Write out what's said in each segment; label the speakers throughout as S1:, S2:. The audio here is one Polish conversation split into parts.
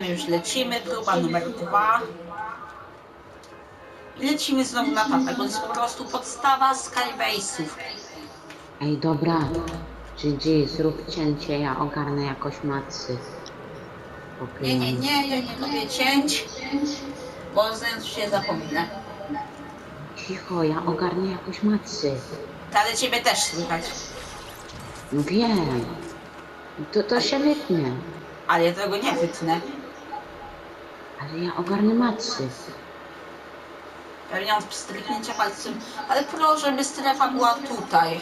S1: My już lecimy, próba numer 2. I lecimy znowu na tapę, bo to jest po prostu podstawa Skybase'ów.
S2: Ej, dobra. GG, zrób cięcie, ja ogarnę jakoś macy.
S1: Nie, ja nie lubię cięć, bo zaraz się zapominę.
S2: Cicho, ja ogarnę jakoś macy.
S1: Ale ciebie też słychać.
S2: No wiem. To się wytnie.
S1: Ale ja tego nie wytnę.
S2: Ale ja ogarnę macy.
S1: Pewnie mam stryknięcia palcem. Ale proszę, żeby strefa była tutaj.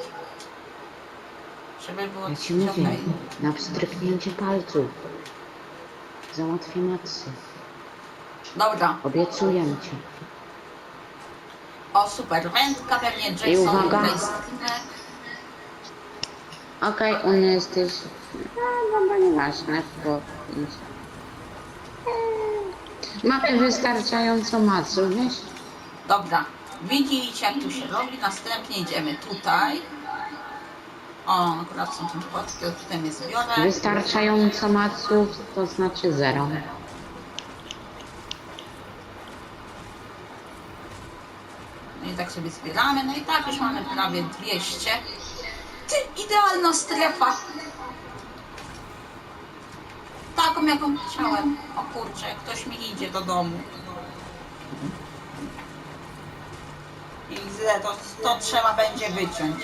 S1: Żeby było
S2: Ja ci
S1: coś
S2: mówię,
S1: okej.
S2: na wstrzyknięcie palców. Załatwię macy.
S1: Dobra.
S2: Obiecuję ci.
S1: O, super. Wędka, pewnie
S2: I
S1: Jason
S2: uwaga.
S1: tutaj skinek.
S2: Okej, on jesteś... No, dobra, nieważne, bo... Mamy wystarczająco maców, wiesz?
S1: Dobra. Widzicie, jak tu się robi. Następnie idziemy tutaj. O, akurat są tym płatki, tutaj mnie zbiorę.
S2: Wystarczająco maców to znaczy 0.
S1: No i tak sobie zbieramy. No i tak już mamy prawie 200. Ty, idealna strefa. Taką, jaką chciałem. O kurczę, ktoś mi idzie do domu. I źle, to trzeba będzie wyciąć.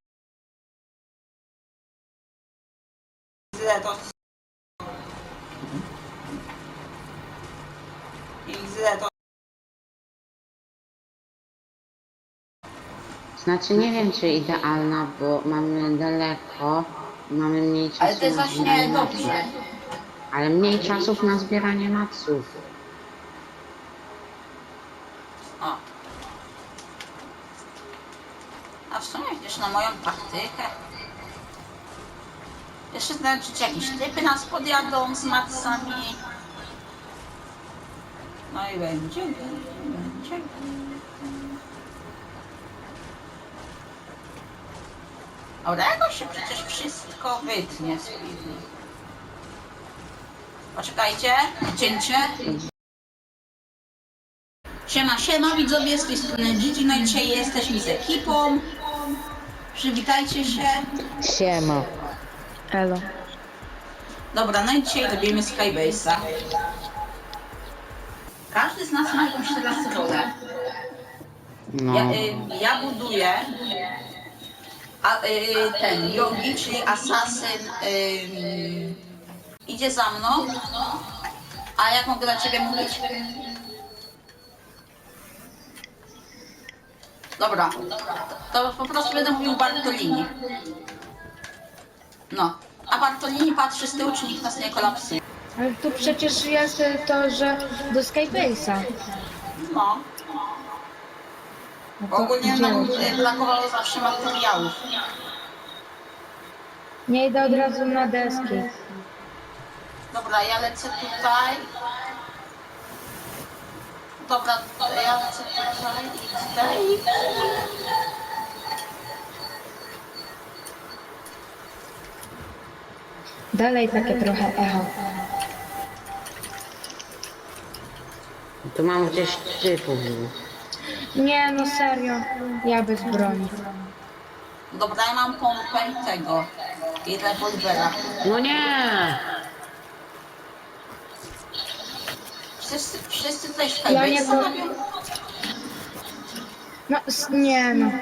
S1: Źle, to...
S2: Znaczy nie wiem czy idealna, bo mamy daleko, mamy mniej czasu
S1: Ale to jest
S2: na
S1: właśnie
S2: zbieranie
S1: dobrze.
S2: maców. Ale mniej czasów na zbieranie maców.
S1: O. A w sumie widzisz na moją taktykę. Jeszcze znaleźć jakieś typy nas podjadą z macami. No i będzie. Dobra, jakoś się przecież wszystko wytnie z filmu. Poczekajcie, cięcie. Siema widzowie, z tej strony Gigi, no i dzisiaj jesteśmy z ekipą. Przywitajcie się.
S2: Siema.
S3: Elo.
S1: Dobra, no i dzisiaj robimy Skybase'a. Każdy z nas ma jakąś teraz rolę.
S2: No.
S1: Ja buduję ten Yogi, czyli asasyn, idzie za mną. A jak mogę dla ciebie mówić? Dobra, to po prostu będę mówił Bartolini. No, a Bartolini patrzy z tyłu, czy nikt nas nie kolapsuje.
S3: Ale tu przecież jest to, że do Skybase'a.
S1: No,
S3: No
S1: bo
S3: to
S1: ogólnie nam
S3: idziemy.
S1: brakowało zawsze materiałów.
S3: Nie idę od razu na deski.
S1: Dobra, ja lecę tutaj. Dobra, ja lecę tutaj i tutaj.
S3: Dalej takie trochę echo.
S2: Tu mam gdzieś typów.
S3: Nie, no serio. Ja bez broni.
S1: Dobra, ja mam pompę i tego. I rewolwera.
S2: No nie!
S1: Wszyscy tutaj
S3: Ja nie
S1: Skybase'a
S3: to-
S1: robią?
S3: No, nie no.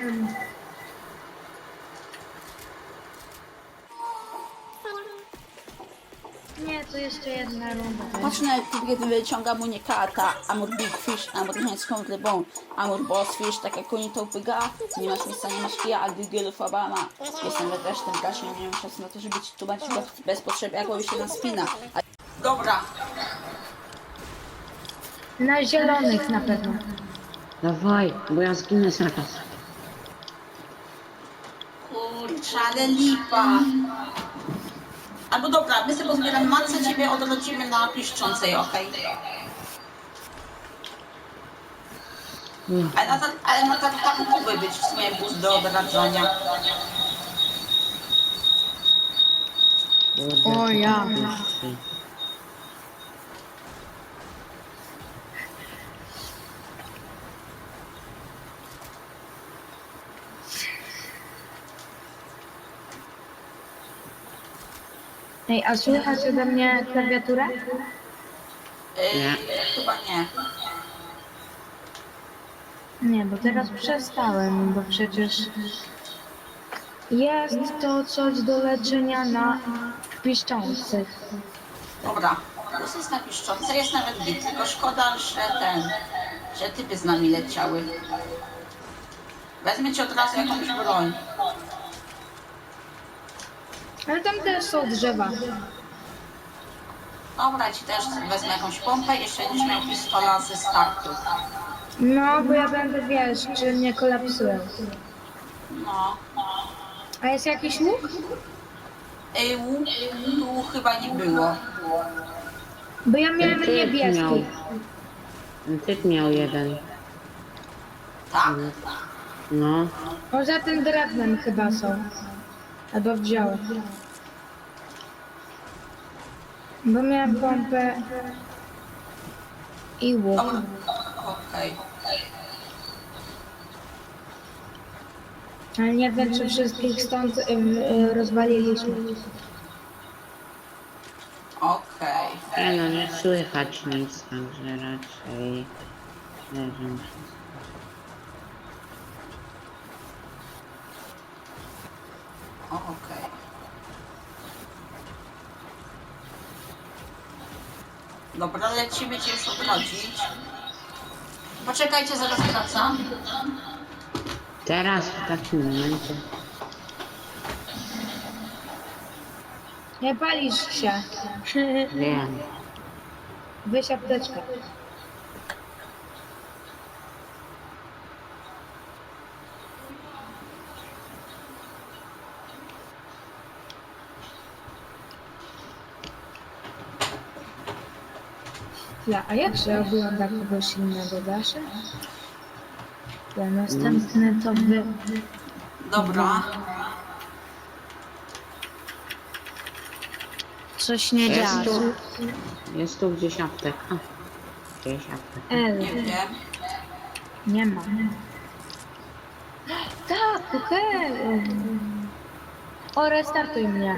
S3: Nie, to jeszcze jedna runda.
S1: Patrz na kiedy wyciągam unikata, Amur Big Fish, Amur Chińską rybą, Amur Boss Fish, tak jak oni to upyga. Nie masz miejsca, nie masz kija, a Google Obama. Jestem też tym gaśnie, nie mam czasu na to, żeby ci tłumaczyć go bez potrzeby, jak on się nam spina. Dobra,
S3: Na zielonych na pewno.
S2: Dawaj, bo ja zginę zaraz.
S1: kurczę, ale lipa. Albo dobra, my sobie pozbieramy macę, ciebie odrodzimy na piszczącej, okej? Ale na tak mógłby być w sumie bus do odradzania.
S3: O ja. Ej, a słychać ode mnie klawiaturę?
S2: Nie.
S1: Chyba nie.
S3: Nie, bo teraz przestałem, bo przecież jest to coś do leczenia na piszczących.
S1: Dobra, plus jest na piszczące, jest nawet git, tylko szkoda, że typy z nami leciały. Wezmę ci od razu jakąś broń.
S3: Ale tam też są drzewa.
S1: Dobra, ci też wezmę jakąś pompę i jeszcze będziesz miał pistola ze startu.
S3: No, bo ja będę, wiesz, czy nie kolapsują.
S1: No.
S3: A jest jakiś łuk?
S1: Łuk tu chyba nie było.
S3: Bo ja
S2: Ten
S3: miałem
S2: typ miał.
S3: niebieski.
S2: Ten typ miał jeden.
S1: Tak?
S2: No.
S3: Poza tym drewnem chyba są. Albo wziął. Bo miałem pompę i łuk.
S1: Dobra. Okej.
S3: Ale nie wiem, czy wszystkich stąd rozwaliliśmy.
S1: Okej.
S2: Nie no, nie słychać nic, także raczej leżą.
S1: Okej. Dobra, lecimy cię już odrodzić. Poczekajcie, zaraz wracam.
S2: Teraz w takim momencie.
S3: Nie palisz się.
S2: Wiem.
S3: Weź apteczkę. A jak się ogląda kogoś innego, Dasze? Ja następny to wy.
S1: Dobra.
S3: Coś nie
S2: Jest
S3: działa.
S2: tu, jest tu gdzieś apteka. Gdzieś apteka.
S3: L.
S1: Nie wiem.
S3: Nie ma. Tak, okej. O, restartuj mnie.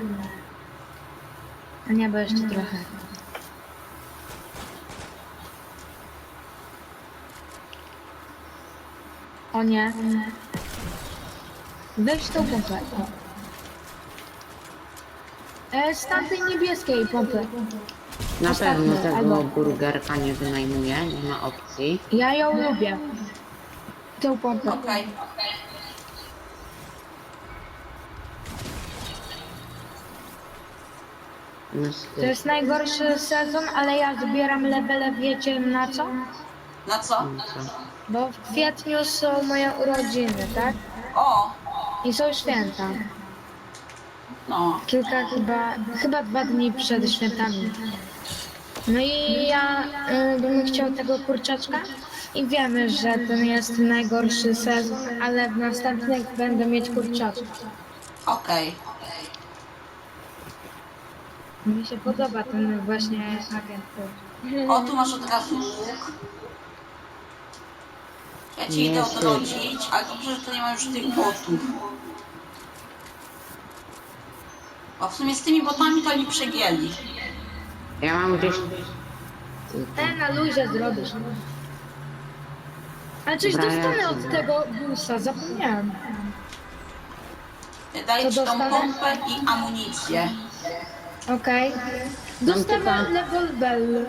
S3: A nie, bo jeszcze trochę. O nie. Weź tą pompę. O. Z tamtej niebieskiej pompy.
S2: Na
S3: Ostatnie,
S2: pewno tego
S3: albo-
S2: burgerka nie wynajmuję, nie ma opcji.
S3: Ja ją lubię. Tą pompę.
S1: Okej.
S3: To jest najgorszy sezon, ale ja zbieram levele, wiecie na co?
S1: Na co?
S3: Bo w kwietniu są moje urodziny, tak?
S1: O!
S3: I są święta.
S1: No.
S3: Kilka chyba 2 dni przed świętami. No i ja bym chciał tego kurczaczka i wiemy, że ten jest najgorszy sezon, ale w następnych będę mieć kurczaczka.
S1: Okej.
S3: Mi się podoba ten właśnie agent.
S1: O, tu masz od razu łuk. Ja ci idę
S2: Jest.
S1: odrodzić, ale dobrze, że to nie ma już tych botów. Bo w sumie z tymi botami to oni przegięli.
S2: Ja mam gdzieś...
S3: Na luzie zrobisz. A coś
S2: Dobra,
S3: dostanę
S2: ja
S3: od tego busa, zapomniałem.
S1: Daję ci
S3: Co
S1: tą
S3: dostanę?
S1: pompę i amunicję.
S3: Okej.
S2: Mam
S3: Dostanę
S2: tylko-
S3: level bell.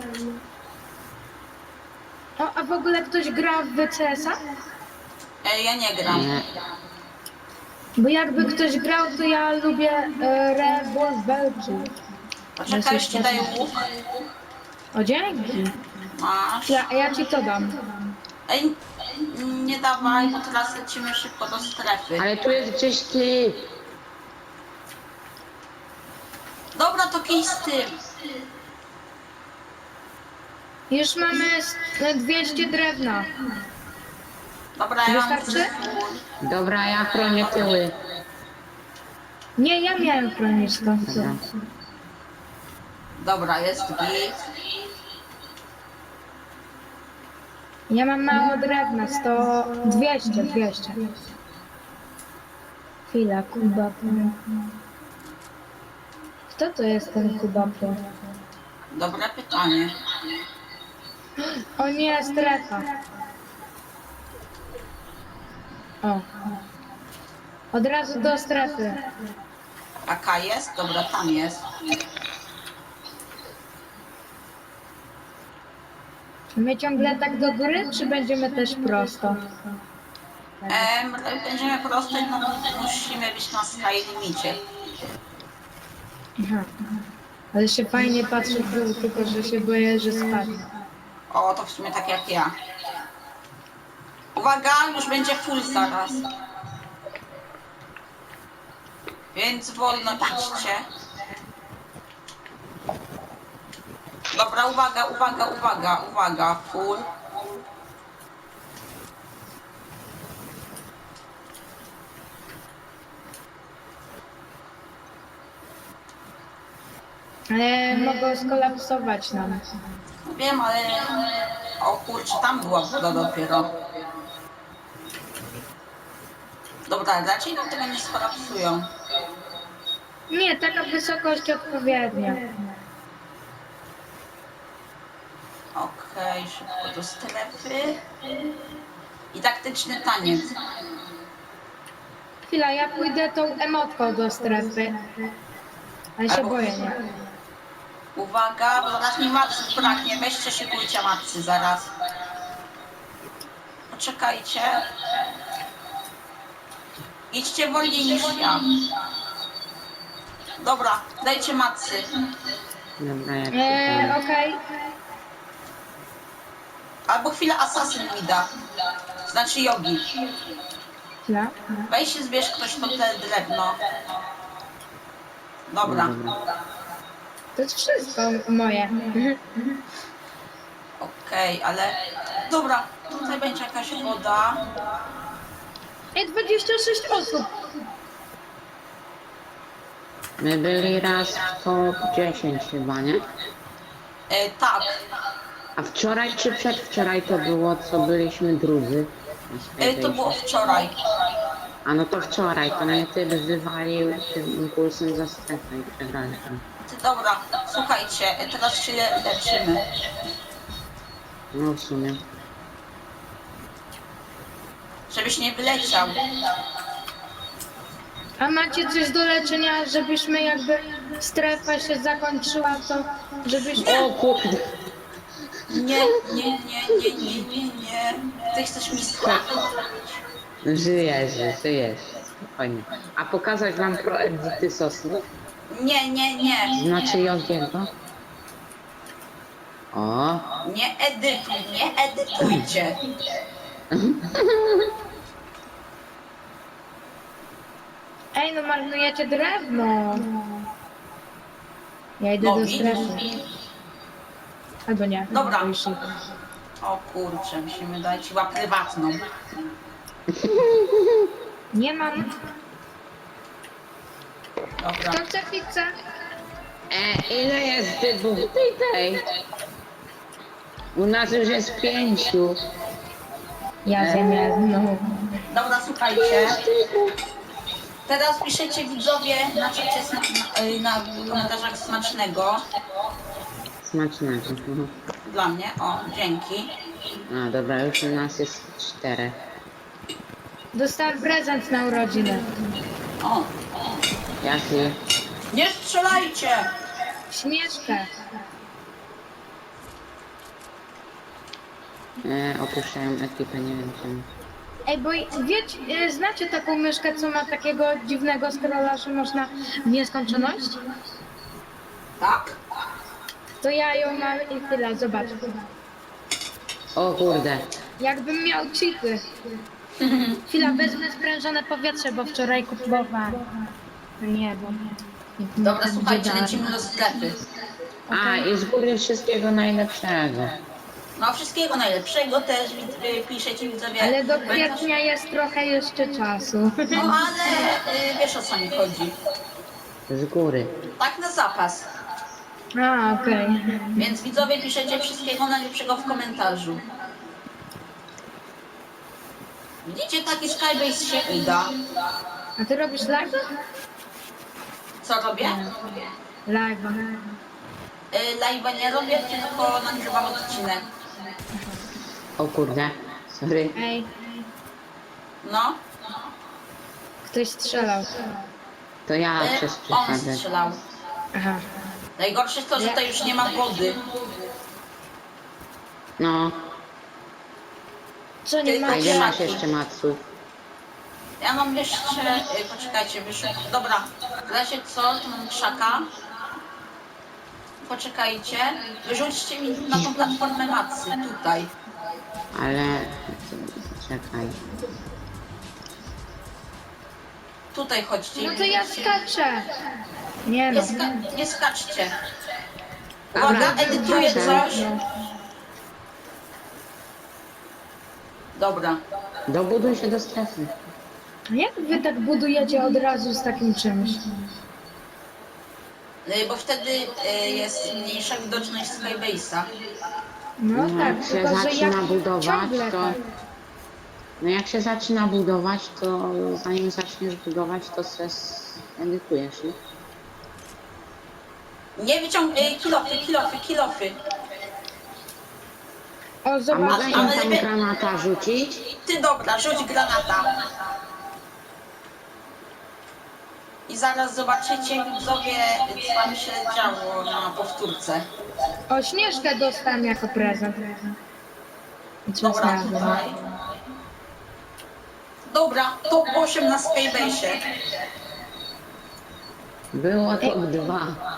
S3: O, a w ogóle ktoś gra w CS-a?
S1: Ja nie gram.
S2: Nie,
S3: Bo jakby ktoś grał, to ja lubię rewolwerki.
S1: Poczekaj, już ci daję łuk.
S3: O, dzięki.
S1: Masz.
S3: Ja ci to dam.
S1: Ej, nie dawaj, bo teraz lecimy szybko do strefy.
S2: ale tu jest gdzieś typ.
S1: Dobra, to kij z tym.
S3: Już mamy 200 drewna.
S1: Dobra, ja mam
S3: Wystarczy?
S2: Dobra, ja chronię tyły.
S3: Nie, ja miałem chronić to.
S2: Dobra.
S1: Dobra, jest git.
S3: Ja mam mało drewna, 200. Chwila, Kuba. Kto to jest ten Kuba Pro?
S1: Dobre pytanie.
S3: O nie, strefa. O. Od razu do strefy.
S1: Taka jest? Dobra, tam jest.
S3: My ciągle tak do góry, czy będziemy też prosto?
S1: Będziemy prosto, no musimy być na sky limicie.
S3: Aha. Ale się fajnie patrzy w dół, tylko że się boję, że spadnie.
S1: O, to w sumie tak jak ja. Uwaga, już będzie full zaraz. Więc wolno idźcie. Dobra, uwaga, uwaga, uwaga, uwaga, full.
S3: Ale mogą skolapsować nam.
S1: Wiem, ale... O kurczę, tam była woda dopiero. Dobra, raczej nam tego nie skolapsują.
S3: Nie, taka wysokość odpowiednia.
S1: Okej, szybko do strefy. I taktyczny taniec.
S3: Chwila, ja pójdę tą emotką do strefy. Ale się
S1: Albo-
S3: boję, nie?
S1: Uwaga, bo zaraz mi matcy braknie. Weźcie szykujcie matcy zaraz. Poczekajcie. Idźcie wolniej niż ja. Dobra, dajcie matcy.
S2: Dobra, jak
S3: Okej.
S1: Albo chwilę asasyn mi da. Znaczy jogi.
S3: Chwila.
S1: Weź się zbierz ktoś to te drewno. Dobra.
S3: To jest wszystko moje.
S1: Okej, ale... Dobra, tutaj będzie jakaś woda.
S3: Ej, 26 osób.
S2: My byli raz w top 10 chyba, nie?
S1: Tak.
S2: A wczoraj czy przedwczoraj to było, co byliśmy drudzy? Na
S1: To było wczoraj.
S2: A no to wczoraj, to mnie ty wywalił tym impulsem za strefę i przegraliśmy.
S1: Dobra, słuchajcie, teraz się leczymy.
S2: No w sumie.
S1: Żebyś nie wyleciał.
S3: A macie coś do leczenia, żebyśmy jakby strefa się zakończyła, to żebyśmy...
S2: O kurde!
S1: Nie, nie, nie, nie, nie, nie, nie. Ty chcesz mi strafić?
S2: Żyjesz. Spokojnie. A pokazać wam pro edyty sosny?
S1: Nie, nie, nie.
S2: Znaczy Jogiego? O!
S1: Nie edytujcie.
S3: Ej, no marnujecie drewno. Ja idę
S1: No,
S3: do
S1: widzisz.
S3: strefy. Albo nie.
S1: Dobra.
S3: Już idę.
S1: O kurczę, musimy dać chyba prywatną.
S3: Nie mam.
S1: Dobra.
S3: Kto chce pizzę?
S2: Ile jest dybów tej? U nas już jest 5.
S3: Ja zjem jedną.
S1: Dobra, słuchajcie. Teraz piszecie widzowie na czacie na komentarzach smacznego.
S2: Smacznego.
S1: Dla mnie, o, dzięki.
S2: A dobra, już u nas jest 4.
S3: Dostałem prezent na urodziny.
S1: O,
S2: Jaki?
S1: nie strzelajcie!
S3: Śmieszkę.
S2: Opuszczają ekipę, nie wiem czemu.
S3: Ej, bo wiecie, znacie taką myszkę, co ma takiego dziwnego scrolla, że można w nieskończoność?
S1: Tak?
S3: To ja ją mam i tyle, zobacz.
S2: O kurde.
S3: Jakbym miał cheaty. Chwila, wezmę sprężone powietrze, bo wczoraj kupowałam. Nie, bo...
S1: Dobra, słuchajcie, lecimy do sklepy.
S2: A i z góry wszystkiego najlepszego.
S1: No, wszystkiego najlepszego też piszecie widzowie.
S3: Ale do
S1: Pamiętasz-
S3: kwietnia jest trochę jeszcze czasu.
S1: No ale wiesz o co mi chodzi.
S2: Z góry.
S1: Tak na zapas.
S3: A, okej.
S1: Więc widzowie piszecie wszystkiego najlepszego w komentarzu. Widzicie, taki Skybase się uda.
S3: A ty robisz live?
S1: Co robię?
S3: Live'a.
S1: Live'a nie robię, tylko nagrywam odcinek.
S2: O kurde, sorry.
S3: Ej,
S1: No,
S3: ktoś strzelał.
S2: To ja
S1: on
S2: przez przypadek.
S1: strzelał.
S3: Aha.
S1: Najgorsze jest to, że tutaj już nie ma wody.
S2: No,
S3: Co nie
S1: Tylko
S2: a ile
S3: macie?
S2: masz jeszcze maców?
S1: Ja mam jeszcze... poczekajcie, dobra, w razie co, tu mam krzaka. Poczekajcie, wyrzućcie mi na tą platformę macy, tutaj.
S2: Ale... Czekaj.
S1: Tutaj chodźcie.
S3: No to ja skaczę. Nie no.
S1: Nie skaczcie.
S2: Dobra,
S1: Uwaga, edytuję
S2: skaczę.
S1: coś. Dobra.
S2: Dobuduj się do strefy.
S3: Jak wy tak budujecie od razu z takim czymś?
S1: Bo wtedy jest mniejsza widoczność Skybase'a.
S3: No
S2: No,
S3: tak,
S2: jak się
S3: tylko że
S2: zaczyna
S3: jak
S2: budować,
S3: ciągle
S2: to...
S3: tak.
S2: No jak się zaczyna budować, to zanim zaczniesz budować, to se edytujesz, nie?
S1: Nie wyciągnij kilofy.
S3: O,
S2: A
S3: zobacz.
S2: mogę im
S1: ale
S2: tam
S1: nie-
S2: granata rzucić?
S1: Ty dobra, rzuć granata. I zaraz zobaczycie, widzowie, co tam się działo na powtórce.
S3: O, Śnieżkę dostałem jako prezent. I co
S1: Dobra,
S3: znalazłem?
S1: tutaj. Dobra, top 8 na Skybase'ie.
S2: Było top 2.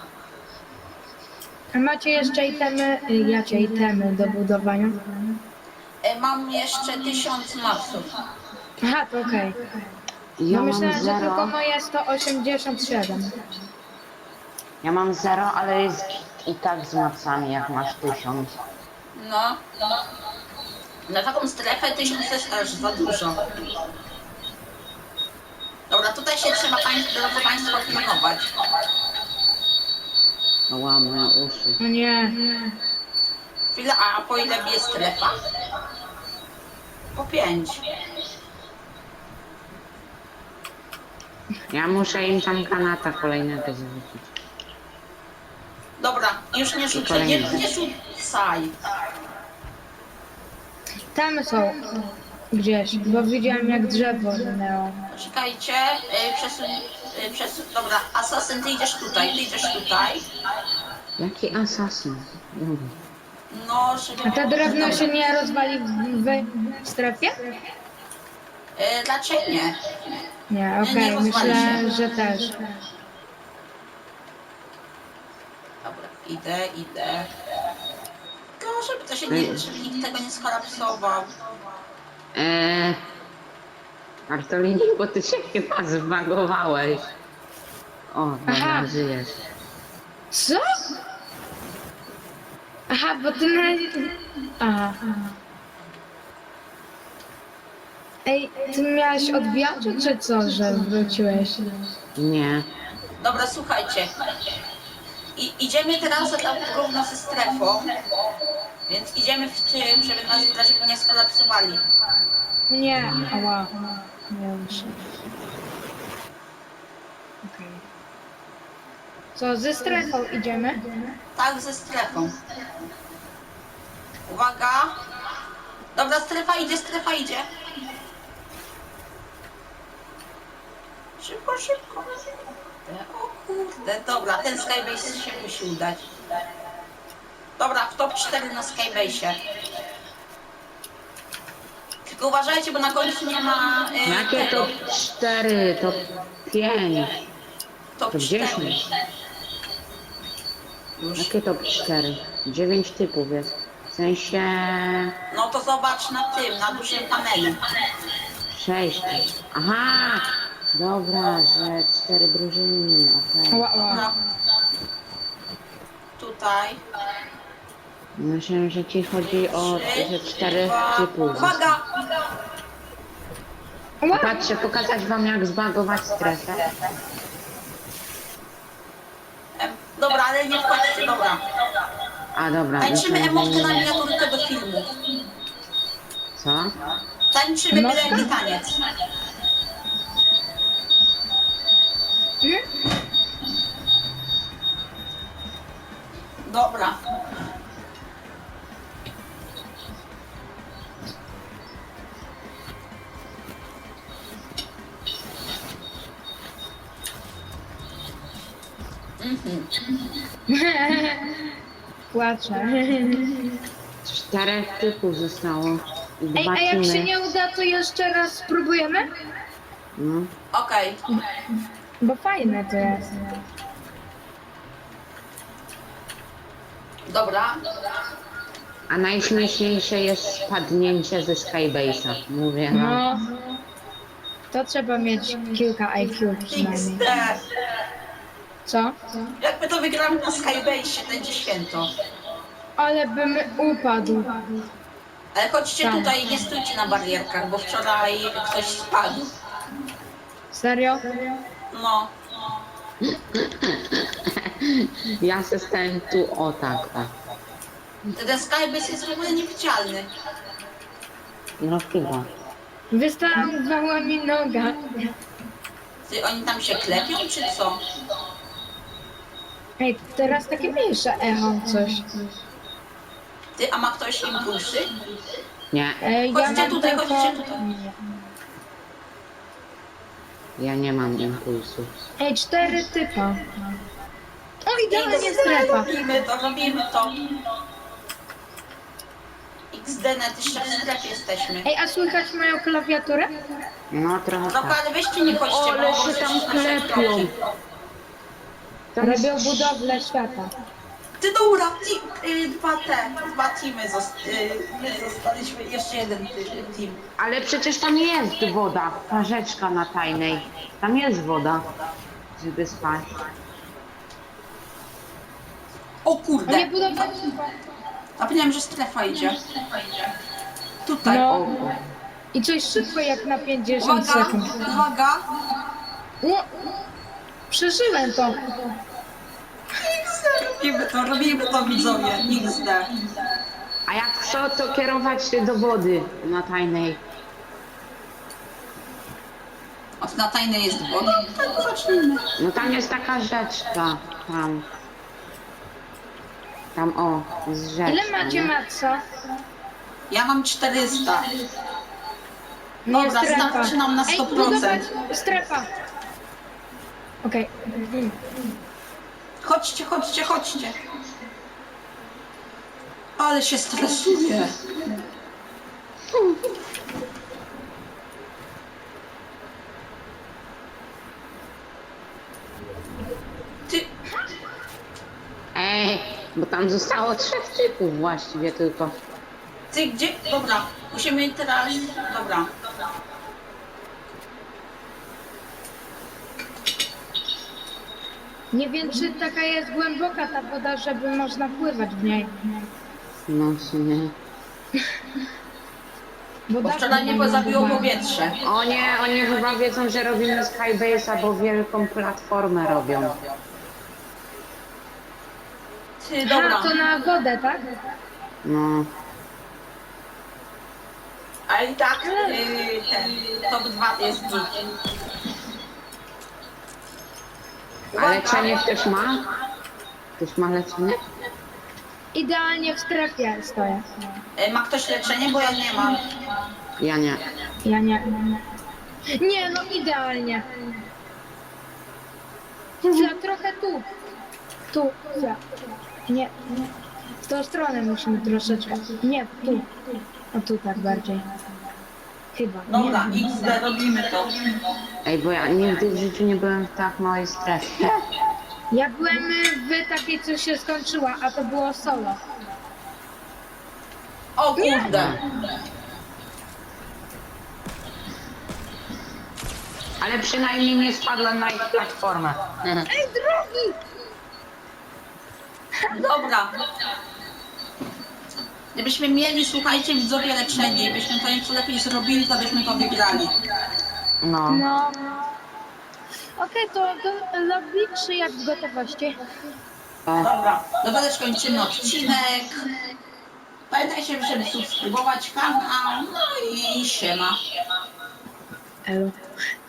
S3: A macie jeszcze itemy, jakie itemy do budowania?
S1: Mam jeszcze 1000 mapsów.
S3: Aha, to okej.
S2: Ja
S3: No
S2: mam
S3: myślałem, że
S2: 0.
S3: tylko moje 187.
S2: Ja mam 0, ale jest i tak z macami, jak masz 1000.
S1: No. Na taką strefę 1000 jest też za dużo. Dobra, tutaj się trzeba drodzy Państwo pilnować.
S2: Ła, moje uszy.
S3: No nie.
S1: Chwilę, a po ile bije strefa? Po 5.
S2: Ja muszę im tam granata kolejnego zwrócić.
S1: Dobra, już nie rzucę, nie rzucaj.
S3: Tam są gdzieś, bo widziałem jak drzewo minęło.
S1: Poczekajcie, przesuń, dobra, Asasyn, ty idziesz tutaj.
S2: Jaki asasyn? Dobra.
S1: No, żeby...
S3: A to drewno
S1: Dobra.
S3: się nie rozwali w strefie?
S1: Raczej nie.
S3: Nie,
S1: Nie
S3: okej,
S1: rozwali
S3: myślę,
S1: się.
S3: że też.
S1: Dobra, idę. Tylko żeby to się nie, żeby nikt tego nie skolapsował.
S2: Bartolini, bo ty się chyba zbagowałeś. O,
S3: Aha.
S2: dobra, żyjesz.
S3: Co? Aha, bo ty na... Aha. Ej, ty miałeś odbijaczu czy co, że wróciłeś?
S2: Nie.
S1: Dobra, słuchajcie. Idziemy teraz tam równo ze strefą. Więc idziemy w tył, żeby nas w razie nie skolapsowali.
S3: Nie, ała. Nie muszę. Okej. Co, ze strefą idziemy?
S1: Tak, ze strefą. Uwaga. Dobra, strefa idzie. Szybko. O kurde, dobra, ten Skybase się musi udać. Dobra, w top 4 na Skybase'ie. Tylko uważajcie, bo na końcu nie ma
S2: Jakie
S1: tego.
S2: top 4, top 5,
S1: Top
S2: top
S1: 4.
S2: 10?
S1: Już.
S2: Jakie top 4? 9 typów jest. W sensie
S1: No to zobacz na tym, na dużym panelu.
S2: 6. Aha! Dobra, że 4 drużyny, okej.
S3: Ała, ała.
S1: No. Tutaj.
S2: Myślę, że ci chodzi o że 4 typów.
S1: Uwaga!
S3: Ała.
S2: Patrzę, pokazać wam jak zbagować strefę.
S1: Dobra, ale nie wchodźcie, dobra.
S2: A dobra,
S1: Tańczymy
S2: myślę, że
S1: emotkę na
S2: nie.
S1: miniaturkę do filmu.
S2: Co?
S1: Tańczymy
S3: Emotka?
S1: byle jaki taniec.
S3: Hmm?
S1: Dobra.
S3: Płaczę.
S2: 4 typów zostało. I
S3: Ej,
S2: 2
S3: a jak się
S2: teamy.
S3: nie uda, to jeszcze raz spróbujemy?
S2: No.
S1: Okej.
S3: Bo fajne to jest.
S1: Dobra.
S2: A najśmieszniejsze jest spadnięcie ze Skybase'a. Mówię wam.
S3: No. To trzeba mieć kilka IQ przynajmniej.
S1: XD.
S3: Co?
S1: Jak my to wygramy na Skybase, będzie święto.
S3: Ale bym upadł.
S1: Ale chodźcie
S3: Tak.
S1: tutaj, nie stójcie na barierkach, bo wczoraj ktoś spadł.
S3: Serio?
S1: No.
S2: Ja se stałem tu o tak.
S1: Ten Skybase jest w ogóle niewidzialny.
S2: No chyba.
S3: Wystawała mi noga.
S1: Ty, oni tam się klepią, czy co?
S3: Ej, teraz takie mniejsze echo coś.
S1: Ty, a ma ktoś impulsy?
S2: Nie,
S3: Ej,
S1: Chodźcie
S3: mam
S1: tutaj,
S3: tylko-
S1: chodźcie tutaj.
S2: ja nie mam impulsu.
S3: Ej, 4 typa. O, idealnie
S1: XD,
S3: strefa.
S1: robimy to. XD, net jeszcze w strefie jesteśmy.
S3: Ej, a słychać moją klawiaturę?
S2: No trochę
S1: Dobra,
S2: tak.
S1: ale weźcie nie chodźcie,
S2: O, ale
S1: bo
S2: się
S1: może
S2: tam
S1: nasze
S2: klepią.
S1: kroki.
S3: Robią budowlę świata.
S1: Ty dobra, dwa teamy my zostaliśmy, jeszcze jeden team.
S2: Ale przecież tam jest woda. Ta rzeczka na tajnej. Tam jest woda. Żeby spać.
S1: O
S3: A nie
S1: kurde,
S3: budowlę
S1: zapomniałem, że strefa idzie. Tutaj.
S3: No.
S2: O,
S3: I coś szybko jak na 50
S1: Uwaga,
S3: sekund.
S1: uwaga.
S3: O, przeżyłem to.
S1: Robimy to widzowie, XD.
S2: a jak co, to kierować się do wody na tajnej.
S1: Od na tajnej jest woda? Tak, zacznijmy.
S2: No tam jest taka rzeczka. Tam o, jest rzeczka.
S3: Ile macie
S2: nie?
S3: matca?
S1: Ja mam 400.
S3: Nie,
S1: Dobra,
S3: strefa.
S1: starczy nam na
S3: Ej,
S1: 100%.
S3: budować strefa. Okej.
S1: Chodźcie, chodźcie, chodźcie. Ale się stresuję. Ty,
S2: Ej, bo tam zostało 3 typów właściwie tylko.
S1: ty gdzie? Dobra, musimy teraz... Dobra.
S3: Nie wiem, czy taka jest głęboka ta woda, żeby można pływać w niej.
S2: No w sumie.
S1: Bo wczoraj mnie zabiło powietrze.
S2: O nie, oni chyba wiedzą, że robimy Skybase'a, bo wielką platformę robią.
S1: Ty, dobra.
S3: A, to na wodę, tak?
S2: No.
S1: Ale i tak ten top 2 jest git.
S2: A leczenie ktoś ma? Ktoś ma leczenie?
S3: Idealnie w strefie stoję.
S1: Ma ktoś leczenie? Bo ja nie mam.
S2: Ja nie.
S3: Ja nie. Nie, no idealnie. Za trochę tu. Tu, za. Nie. W tą stronę musimy troszeczkę. Nie, tu. O tu tak bardziej. Chyba.
S1: Dobra,
S3: Nie.
S1: XD, robimy to.
S2: Ej, bo ja nigdy w życiu nie byłem w tak małej strefie.
S3: Ja byłem w takiej, co się skończyła, a to było solo.
S1: O kurde.
S2: Ale przynajmniej nie spadłem na ich platformę.
S3: Ej, drogi!
S1: Dobra. Gdybyśmy mieli, słuchajcie, widzowie leczenie i byśmy to nieco lepiej zrobili, to byśmy to wygrali.
S2: No.
S3: No. Okej, to do lobby czy jak w gotowości?
S1: Dobra, dobra, też kończymy odcinek. Pamiętajcie, żeby subskrybować kanał. No i siema.
S3: Elo.